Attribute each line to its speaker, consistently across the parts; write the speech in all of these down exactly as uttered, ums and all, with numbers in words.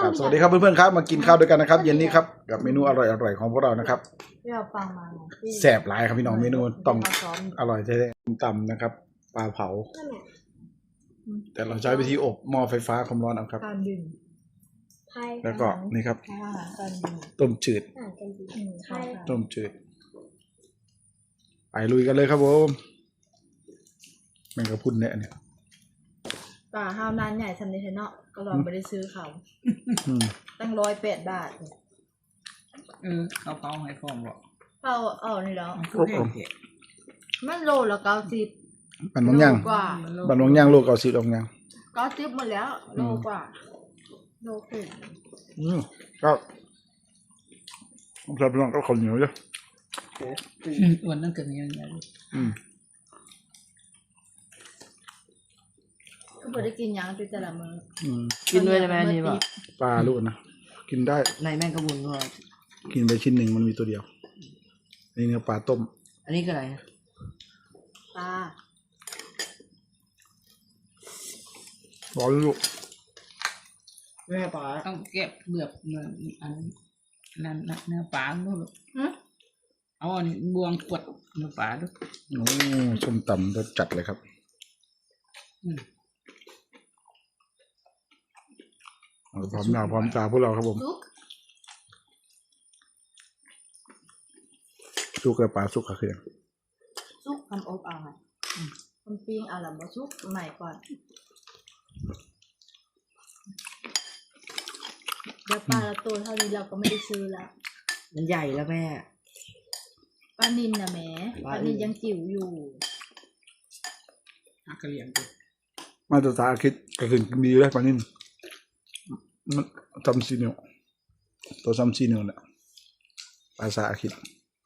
Speaker 1: บสวัสดีครับเพื่อนๆครับมากินข้าวด้วยกันนะครับเย็นนี้ครับกับเมนูอร่อยๆของพวกเรานะครับ
Speaker 2: ที่เราฟังมา
Speaker 1: แสบหลายครับพี่น้องเมนูต้องอร่อยแท้ๆตำนะครับปลาเผา แต่เราใช้วิธีอบหม้อไฟฟ้าความร้อนเอาครับ
Speaker 2: การบิน
Speaker 1: แล้วก็นี่ครับ
Speaker 2: การบิน
Speaker 1: ต้มจืด
Speaker 2: อืมใช่
Speaker 1: ต้มจืดไปลุยกันเลยครับผมแมงกะพรุนเนี่ยเนี่ย
Speaker 2: ป่าห้าวนานใหญ่ทำในเทนเนาะก็ลองไปได้ซื้อเขา
Speaker 1: อืม
Speaker 2: ตั้งร้อยแปดบาท
Speaker 3: เออเขาเผาให้ฟองบอก
Speaker 2: เขาเอานี่แล้ว
Speaker 3: มันคือแพงเกะ
Speaker 2: มันโลละเก้าสิบ
Speaker 1: บันวงย่าง
Speaker 2: กว่า
Speaker 1: บันวงย่างลูกเกาสีดองย่าง
Speaker 2: เก้าสิบหมดแล้วโลกว่าโลครึ่ง
Speaker 1: อืมก็ผมชอบพี่น้องก็ข้าวเหนียวเยอะ
Speaker 3: อ้วนนั่นเกิดยังไง
Speaker 1: อืม
Speaker 2: ก็พอได้กินหยังไปแต่ละมื้อ
Speaker 1: อืม
Speaker 3: กินด้วยได้ไหมอันนี่ป่ะ
Speaker 1: ปลาลูกนะกินได้
Speaker 3: ในแม่งกระบุนด้วย
Speaker 1: กินไปชิ้นหนึ่งมันมีตัวเดียวนี่เนื้อปลาต้ม
Speaker 3: อันนี้คืออะไรนะ
Speaker 2: ปลา
Speaker 1: ร้อนลูก
Speaker 3: แม่ปลาต้องเก็บเบือกเนื้ออันนั้นเนื้อปลาด้วย
Speaker 2: หึ
Speaker 3: เอาอันนี้บวงกดเนื้อปลาด้วย
Speaker 1: โอ้ส้มตำรสจัดเลยครับ
Speaker 3: อืม
Speaker 1: เอาพร้อมหน้าพร้อมตาพวกเราครับผม
Speaker 2: ซุก
Speaker 1: สุกกับปลาสุกกับเขือ
Speaker 2: ซุกทำอบเอาค่ะทำปิ้งเอาละบ่ซุกใหม่ก่อนเดี๋ยวปลาละตัวเท่านี้เราก็ไม่ได้ซื้อแล้ว
Speaker 3: มันใหญ่แล้วแม่
Speaker 2: ปลานินนะแหม่ปลานินยังจิ๋วอยู่
Speaker 3: หักกระเหลี่ยงดิ
Speaker 1: มาตรฐานคิดก็คือมีแล้วปลานิ่มมันทำซีเนียวตัวซ้ำซีเนียวเนี่ยภาษาคิด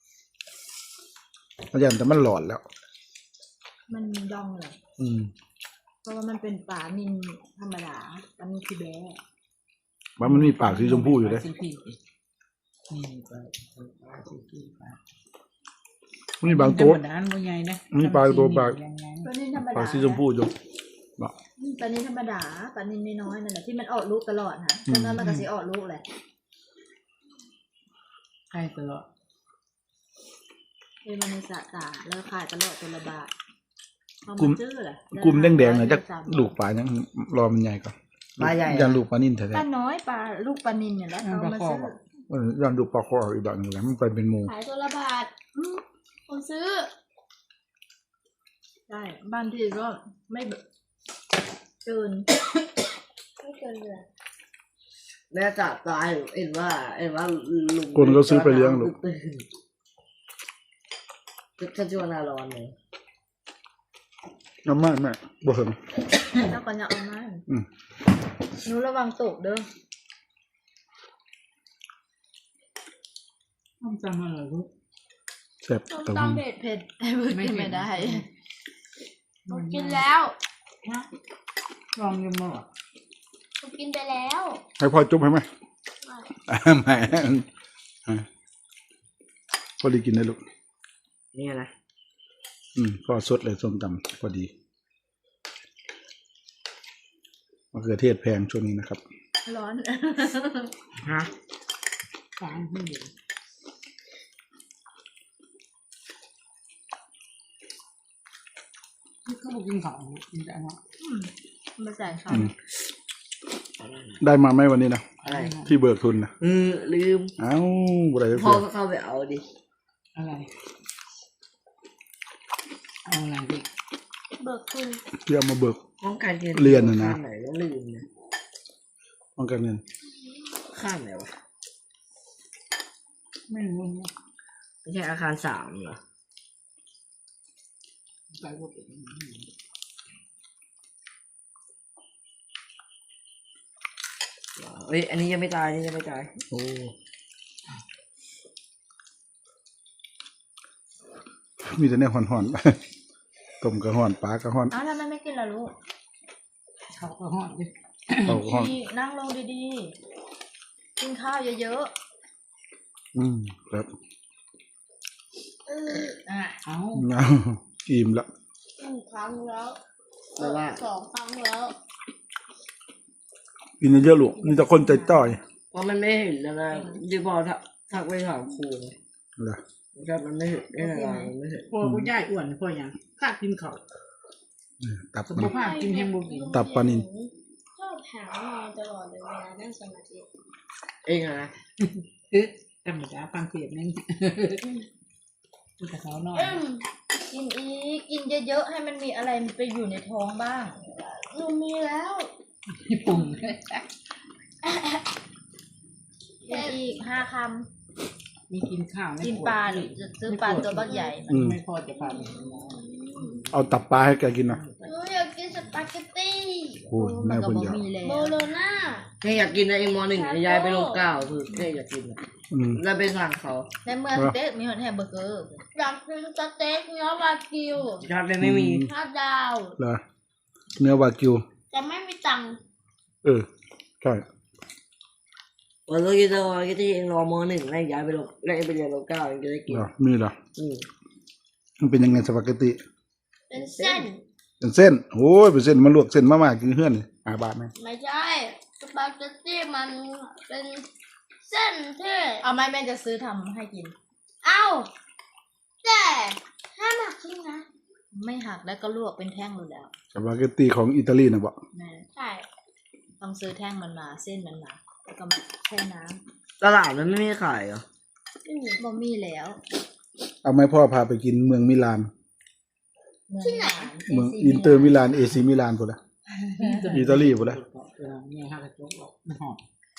Speaker 1: อาจารย์แต่มันหลอดแล้ว
Speaker 2: มันดองเลย
Speaker 1: อืม
Speaker 2: เพราะว่ามันเป็นปลานินธรรมดาปลานินคือแบ้
Speaker 1: ว่ามันมีปากสีชมพูอยู่เลย
Speaker 3: ปลาซีพีนี่ปลาปลาซีพีปลา
Speaker 1: มันมีบางตัว
Speaker 3: ธรรมดามันใหญ่นะ
Speaker 1: มีปลาตัวปลา
Speaker 2: ปลานินธรรม
Speaker 1: ปลา
Speaker 2: ดา
Speaker 1: สีชมพูอยู่บอก
Speaker 2: อืมปลานินธรรมดาปลานินน้อยๆนั่นแหละที่มันออกลูกตลอดนะตอนนั้นมันก็สิออกลูกแหละ
Speaker 3: ใช่ตลอด
Speaker 2: เป็นมันในสระตาแล้วขายตลอดตัวละบาทเอา
Speaker 1: กลุ่ม
Speaker 2: มาซื้อแหละ
Speaker 1: กลุ่มแดงๆเนี่ยจะลูกปลายังรอมันใหญ่ก่อน
Speaker 3: ปลาใหญ่
Speaker 1: ยันลูกปลานิ่มแท้
Speaker 2: ปลาน้อยปลาลูกปลานินเนี่ยแหละเอามาซื้อ
Speaker 1: ๆเออยันลูกปลาคออีกแบบหนึงแหละมันไปเป็นหมู
Speaker 2: ขายตัวละบาทอืมคนซื้อใช่บ้านที่ก็ไม่แบบเกิน ไม่เกินเลย
Speaker 3: แม่จับตายเห็นว่าเห็นว่าลุง
Speaker 1: คนก็ซื้อไปเลี้ยงลูก
Speaker 3: จะช่วงหน้าร้อนเลย
Speaker 1: น้ำมันแม่บ่เหิง
Speaker 2: แล้วก็จะเอามา
Speaker 1: อืม
Speaker 2: หนูระวังตกเด้อ
Speaker 3: ต้องจำอะไรลูก
Speaker 1: แซ่บ
Speaker 2: ต้ม
Speaker 1: แต่ว่า
Speaker 2: ตำเผ็ดเผ็ดไอ้เบิร์ด
Speaker 3: ไม่
Speaker 2: กิน
Speaker 3: เผ็
Speaker 2: ไม่
Speaker 3: ด
Speaker 2: ได้
Speaker 3: ไม่
Speaker 2: กินแล้ว
Speaker 3: ฮะลองยังมั้ง
Speaker 2: กินไปแล้ว
Speaker 1: ให้พ่อจุ๊บให้ไหมแหม่พอดีกินได้ลูก
Speaker 3: นี่นะ
Speaker 1: อืมก็สดเลยส้มตำพอดีมะเขือเทศแพงช่วงนี้นะครับ
Speaker 2: ร้อน
Speaker 3: ฮะฟางที่อยู่นี่เขาบอกกินของกินแต่ว่า
Speaker 2: มาใส่ค่ะ
Speaker 1: อืมได้มาไหมวันนี้นะ
Speaker 3: อะไร
Speaker 1: ที่เบิกทุนนะ
Speaker 3: เออลืม
Speaker 1: เอ้าบุไร
Speaker 3: พ่อ
Speaker 1: เพื่อ
Speaker 3: ก็เข้าไปเอาดิอะไรเอาอะไรดิ
Speaker 2: เบิกคุณ
Speaker 1: เพื่อมาเบิก
Speaker 3: ห้องการเรียน
Speaker 1: เรียนน่ะนะ
Speaker 3: ข้ามไหนก็ลืมนะ
Speaker 1: ป้องกันเงิน
Speaker 3: ข้ามไหนวะไม่รู้นะไม่ใช่อาคารสามเหรอไปว่าเป็นเอ้ยอันนี้ยังไม่ตายอันนี้ยังไม่ตาย
Speaker 1: โอ้มีแต่เนี่ยห่อนๆ ต้มกระห่อนปลากระห่อน
Speaker 2: อ้าวทำไมไม่กินล่ะลูก
Speaker 3: เขาก็หอดดิ
Speaker 1: เอากระห่อน
Speaker 2: ดีนั่งลงดีๆ กินข้าวเยอะ
Speaker 1: อืมครับ
Speaker 2: ๆเอออ่ะ
Speaker 3: เอา
Speaker 1: เอาอิ่มละ
Speaker 2: หนึ่งครั้งแล้ว
Speaker 3: แปลว่า
Speaker 2: สองครั้งแล้ว
Speaker 1: กินเยอะๆลูกนี่แต่คนใจต้อย
Speaker 4: เพราะมันไม่เห็นอะไรดีบอทักทักไปถามครู
Speaker 1: เหรอ
Speaker 4: ครับมันไม่เห็นไม่อะไรมันไม่เห็น
Speaker 3: พ่อกูย่ายอ้วนพ่อยังข้ากินเขา
Speaker 1: ตับ
Speaker 3: สุ
Speaker 1: มั
Speaker 3: ข
Speaker 1: น
Speaker 3: ภาพกินแฮมบูกิน
Speaker 1: ตับปลานิล
Speaker 2: ชอบหาวนอนตลอดเลยเวลานั่งสมาธิ
Speaker 4: เองอะนะ
Speaker 3: เอ๊ะธรรมดาฟังเสียงนี่กูจะเขานอน
Speaker 2: อืมกินอีกกินเยอะๆให้มันมีอะไรไปอยู่ในท้องบ้างหนูมีแล้ว
Speaker 3: ญี่ปุ่น
Speaker 2: กินอีกห้าค
Speaker 3: มีกินข้าว
Speaker 2: ำกินปลาหรือจะซื้อปลาตัวบักใหญ่
Speaker 1: อืม
Speaker 3: ไม่พอจะพาไป
Speaker 1: เอาตับปลาให้แกกินนะ
Speaker 2: หนูอยากกินสปาเกตตี้
Speaker 1: โอ้ยแม่
Speaker 2: มันก็
Speaker 1: คน
Speaker 2: บ่
Speaker 1: เดียว
Speaker 2: มีแล้วโบโลน่า
Speaker 4: แม่อยากกินนะเองมหนึ่งยายไปลงเก้าคือแม่อยากกินอะ
Speaker 1: อืม
Speaker 4: แล้วไปสั่งเขา
Speaker 2: ในเมืองสเต็กมีหอนแฮมเบอร์เกอร์อยากกินสเต็กเนื้อวากิว
Speaker 4: ชาติไม่มี
Speaker 2: ห้าดาว
Speaker 1: เหรอเนื้อวากิว
Speaker 2: แต่ไม่มีตังค์
Speaker 1: เออใช่
Speaker 4: วันนี้ก็จะก็จะเองรอมหนึ่งแล้วยายไปลงแล้วเองไปเรียนลงเก้าเองจะได้กิน
Speaker 1: เหรอมีเหรอ
Speaker 4: อืม
Speaker 1: มันเป็นยังไงสปาเกตตี
Speaker 2: เป็นเส้น
Speaker 1: เป็นเส้นโอ้ยเป็นเส้นมาลวกเส้นมาม่ากินเฮือนอ่าบาทไหม
Speaker 2: ไม่ใช่สปาเกตตี้มันเป็นเส้นที่เอาไหมแม่จะซื้อทำให้กิน เอาแต่ห้ามหักครึ่งนะ ไม่หักแล้วก็ลวกเป็นแท่งเลยแล้ว
Speaker 1: สปาเกตตีของอิตาลีนะบอก
Speaker 2: แม่ใช่ต้องซื้อแท่งมันมาเส้นมันมาแล้วก็มาแช่น้
Speaker 4: ตลาดมันไม่มีขายเหรอ
Speaker 2: ำบ่มีแล้ว
Speaker 1: เอาไหมพ่อพาไปกินเมืองมิลาน
Speaker 2: ที่ไหน
Speaker 1: เมืองอินเตอร์มิลานเอซีมิลานพุ่นละ อิตาลีพุ่นละ
Speaker 3: เนี่ยห้ากระจกออกมันหอม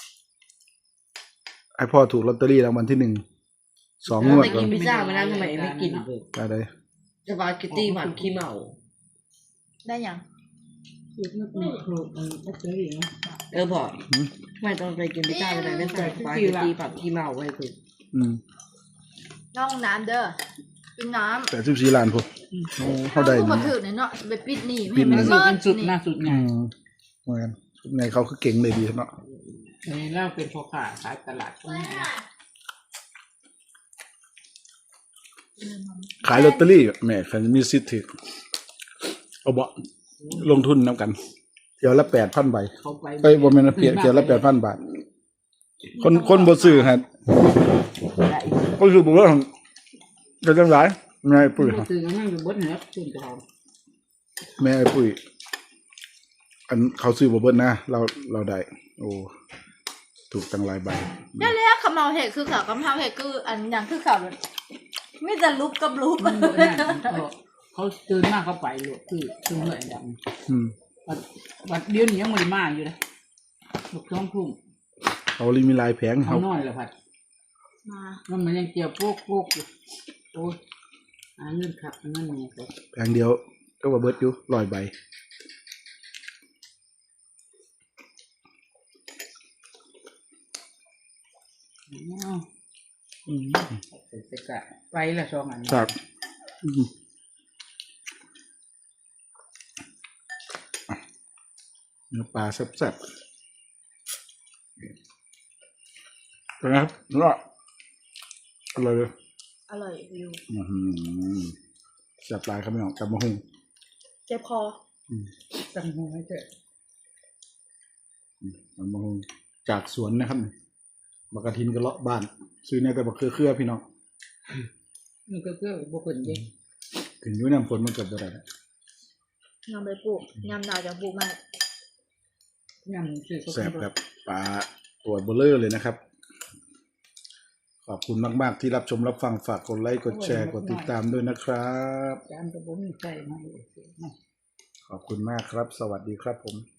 Speaker 1: ไอพ่อถูกลอตเตอรี่รางวัลที่หนึ่งสองงวด
Speaker 4: ไป
Speaker 1: ก่อ
Speaker 4: กิ
Speaker 1: น
Speaker 4: นพิซซ่ามานั้นทำไมไม่กิน
Speaker 1: อะไร
Speaker 4: สปาเกตตี้ผัดขี้เมา
Speaker 2: ได้ยัง
Speaker 3: คือนึกหนึ่งคือมันก็เจออย่างนี้
Speaker 4: เออพอทำไมต้องไปกินพิซซ่าทำไมไม่ใส่สปาเกตตี้ผัดขี้เมาไว้คือ
Speaker 1: อืม
Speaker 2: น้องน้ำเด้อกินน้ำ
Speaker 1: แต่สิบสี่ล้านพุ่นโอ้เขาได้
Speaker 2: มา
Speaker 1: นี่
Speaker 2: ถือเนี่ยเนาะไปปิดหนี
Speaker 1: ปิดหนี
Speaker 3: มันสุดเป็นสุดหน้าสุดไง
Speaker 1: อืมเหมือนกันไงเขาคือเก่งเลยดีเนาะ
Speaker 3: อันนี้เราเป็นพ่อค้าขายตลาดตรงนี้
Speaker 1: ขายลอตเตอรี่แหม่คันมีสิทธิ์ถือเอาบ่ลงทุนน้ำกันเที่ยวละแปดพันใบ
Speaker 3: เขาไป
Speaker 1: ไปบ่แม่นว่าเพียเที่ยวละแปดพันบาท คนคนบ่ซื้อฮะคนซื้อบ่ว่าจะจังได๋แม่ไอ้ปุ้ย
Speaker 3: ก็คือนั่งอยู่บนเหนือขึ้นกระทง
Speaker 1: แม่ไอ้ปุ้ยอันเขาซื้อบ่เบิดนะ เราเราได้ โอ้ถูกตั้งหลายใบ
Speaker 2: ได้แล้วคำเมาเห็ดคือข่าวคำเมาเห็ดคืออันอย่างคือข่าวเลยไม่จะลุกกับลุก
Speaker 3: มันบ่นั่นเขาตื่นมากเขาไปหลวคือคือเหนื่อยดำ
Speaker 1: อืม
Speaker 3: วัดวัดเดี๋ยวนี้ยังไม่ได้มาอยู่เลยลูกท้องทุ่ม
Speaker 1: เขาลิมีลายแผง
Speaker 3: เขา
Speaker 1: เขา
Speaker 3: น้อยเลยพัด
Speaker 2: มา
Speaker 3: มันมันยังเกี่ยวโป๊กโป๊กอยู่โอ้ยหาเงินขับเงินเนี่ยก็
Speaker 1: แผงเดียวก็ว่าเบิดอยู่ร้อยใบ
Speaker 3: เอา
Speaker 1: อืม
Speaker 3: เสร็จกะไปละสองอัน
Speaker 1: ครับอืมอ่ะเนื้อปลาแซ่บๆเป็นไงครับเนื้ออร่อยเลย
Speaker 2: อร่อยอยู่
Speaker 1: อื้อหือแซ่บหลายครับพี่น้องกับมะฮุง
Speaker 2: เจ็บคอ
Speaker 3: สั่งหัวให้เถอะ
Speaker 1: กับมะฮุงจากสวนนะครับบักกะทินกระเลาะบ้าน ซื้อในแต่บักเครือเครือพี่น้อง
Speaker 3: มันก็เพื่อบุคคลเย็น
Speaker 1: ถึงอยุ่น้ำฝนมันเกิดบ่ได้แล้ว
Speaker 2: ยำไปปลูกยำดาวจะปลูกมาก
Speaker 3: ยำชื่อ
Speaker 1: แซ่บครับปลาตัวเบลเลอร์เลยนะครับ ขอบคุณมากๆที่รับชมรับฟังฝากกดไลค์กดแชร์กดติดตามด้วยนะครับ
Speaker 3: จานกระบุ้งใส่มา
Speaker 1: ขอบคุณมากครับ สวัสดีครับผม